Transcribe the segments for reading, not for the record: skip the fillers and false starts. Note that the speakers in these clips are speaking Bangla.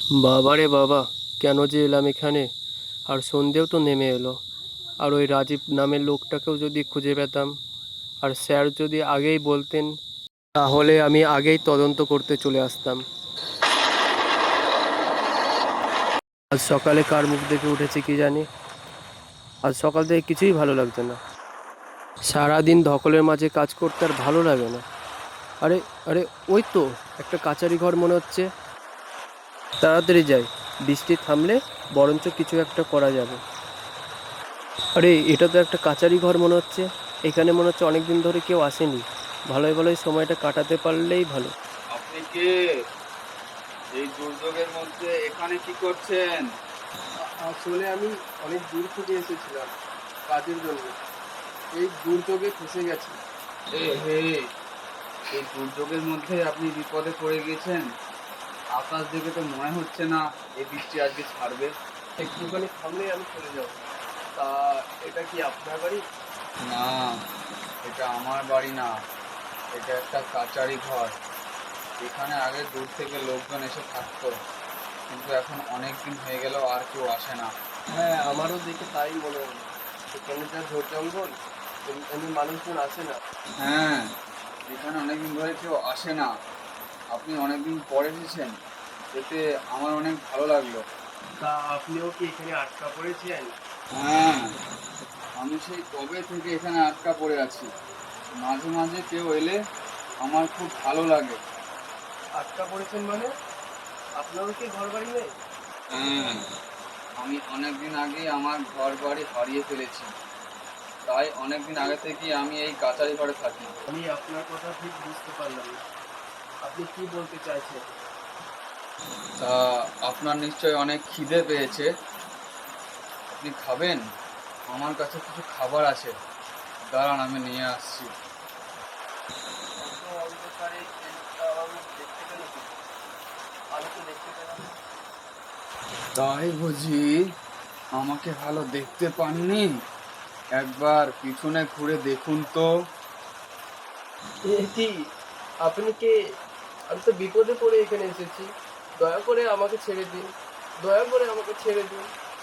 বাবারে বাবা, কেন যে এলাম এখানে! আর সন্ধেও তো নেমে এলো। আর ওই রাজীব নামের লোকটাকেও যদি খুঁজে পেতাম, আর স্যার যদি আগেই বলতেন, তাহলে আমি আগেই তদন্ত করতে চলে আসতাম। আজ সকালে কার মুখ দেখে উঠেছি কি জানি। আজ সকাল থেকে কিছুই ভালো লাগছে না। সারাদিন ধকলের মাঝে কাজ করতে আর ভালো লাগে না। আরে আরে, ওই তো একটা কাচারি ঘর মনে হচ্ছে। তাড়াতাড়ি যাই, বৃষ্টি থামলে বরঞ্চ কিছু একটা করা যাবে। আরে, এটা তো একটা কাচারি ঘর মনে হচ্ছে। এখানে মনে হচ্ছে অনেক দিন ধরে কেউ আসেনি। ভালোই ভালোই সময়টা কাটাতে পারলেই ভালো। আপনি কে? এই দুর্যোগের মধ্যে এখানে কি করছেন? আসলে আমি অনেক দূর থেকে এসেছিলাম কাজের জন্য। এই দুর্যোগে ফেঁসে গেছি। এ হে, এই দুর্যোগের মধ্যে আপনি বিপদে পড়ে গেছেন। আকাশ দেখে তো মনে হচ্ছে না এই বৃষ্টি আজকে ছাড়বে। একটুখানি থামলেই আমি চলে যাব। তা এটা কি আপনার বাড়ি? না, এটা আমার বাড়ি না, এটা একটা কাচারি ঘর। এখানে আগে দূর থেকে লোকজন এসে থাকতো, কিন্তু এখন অনেক দিন হয়ে গেল আর কেউ আসে না। হ্যাঁ, আমারও দেখে তাই মনে হলো। এখানে যা ঝোড় জঙ্গল, এমনি মানুষজন আসে না। হ্যাঁ, এখানে অনেকদিন ধরে কেউ আসে না। আপনি অনেকদিন পরে এসেছেন, এতে আমার অনেক ভালো লাগলো। তা আপনিও কি এখানে আটকা পড়েছেন? হ্যাঁ, আমি সেই কবে থেকে এখানে আটকা পড়ে আছি। মাঝে মাঝে কেউ এলে আমার খুব ভালো লাগে। আটকা পড়েছেন মানে? আপনারও কি ঘর বাড়ি নেই? হ্যাঁ, আমি অনেকদিন আগে আমার ঘর বাড়ি হারিয়ে ফেলেছি, তাই অনেকদিন আগে থেকেই আমি এই কাচারি ঘরে থাকি। আমি আপনার কথা ঠিক বুঝতে পারলাম না। আপনি কি বলতে চাইছেন? তা আপনার নিশ্চয়ই অনেক খিদে পেয়েছে, আপনি খাবেন? আমার কাছে কিছু খাবার আছে, দাঁড়ান আমি নিয়ে আসছি। এত অন্ধকারে আমি দেখতে পেল কি? আমি তো দেখতে পেলাম না। তাই বুঝি? আমাকে ভালো দেখতে পাননি? একবার পিছনে ঘুরে দেখুন তো। এ কি? আপনি কে? আমি তো বিপদে পড়ে এখানে এসেছি। দয়া করে আমাকে ছেড়ে দিন। দয়া করে আমাকে ছেড়ে দিন।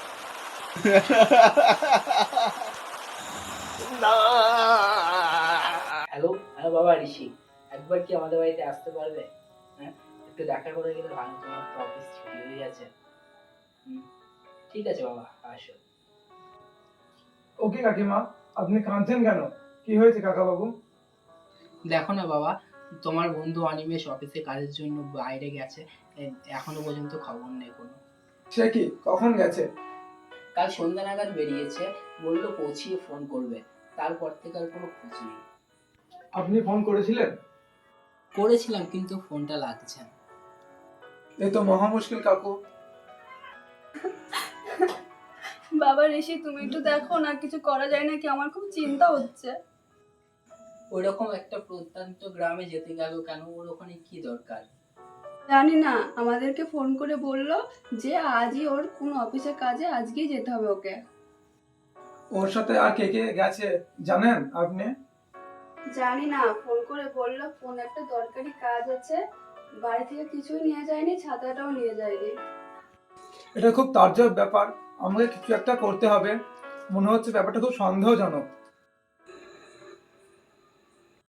না। হ্যালো হ্যালো বাবা ঋষি, একবার কি আমাদের বাড়িতে আসতে পারবে? হ্যাঁ, একটু দেখা করে গেলে ভালো। তোমার তো অফিস ছুটি হয়ে গেছে। হুম, ঠিক আছে বাবা, আসো। ওকে কাকিমা, আপনি কাঁদছেন কেন? কি হয়েছে কাকা বাবু? দেখো না বাবা, তোমার বন্ধু অনিমেষ অফিসে কাজের জন্য বাইরে গেছে। এখনো পর্যন্ত খবর নেই কোনো। সে কি, কখন গেছে? কাল সন্ধ্যা নাগাদ বেরিয়েছে, বললো পৌঁছিয়ে ফোন করবে। তারপর থেকে আর কোনো খোঁজ নেই। আপনি ফোন করেছিলেন? করেছিলাম কিন্তু ফোনটা লাগছে না। এ তো মহা মুশকিল কাকু। বাবা ঋষি, তুমি একটু দেখো না, কিছু করা যায় নাকি? আমার খুব চিন্তা হচ্ছে। ওইরকম একটা প্রত্যন্ত গ্রামে যেতে গেল কেন? ওর ওখানে কি দরকার? জানি না, আমাদেরকে ফোন করে বললো যে আজই ওর কোন অফিসের কাজে আজকেই যেতে হবে ওকে। ওর সাথে আর কে কে গেছে জানেন আপনি? জানি না, ফোন করে বললো ফোন একটা দরকারি কাজ আছে। বাড়ি থেকে কিছুই নিয়ে যায়নি, ছাতাটাও নিয়ে যায়নি। এটা খুব তাজ্জব ব্যাপার। আমাকে কিছু একটা করতে হবে। মনে হচ্ছে ব্যাপারটা খুব সন্দেহজনক।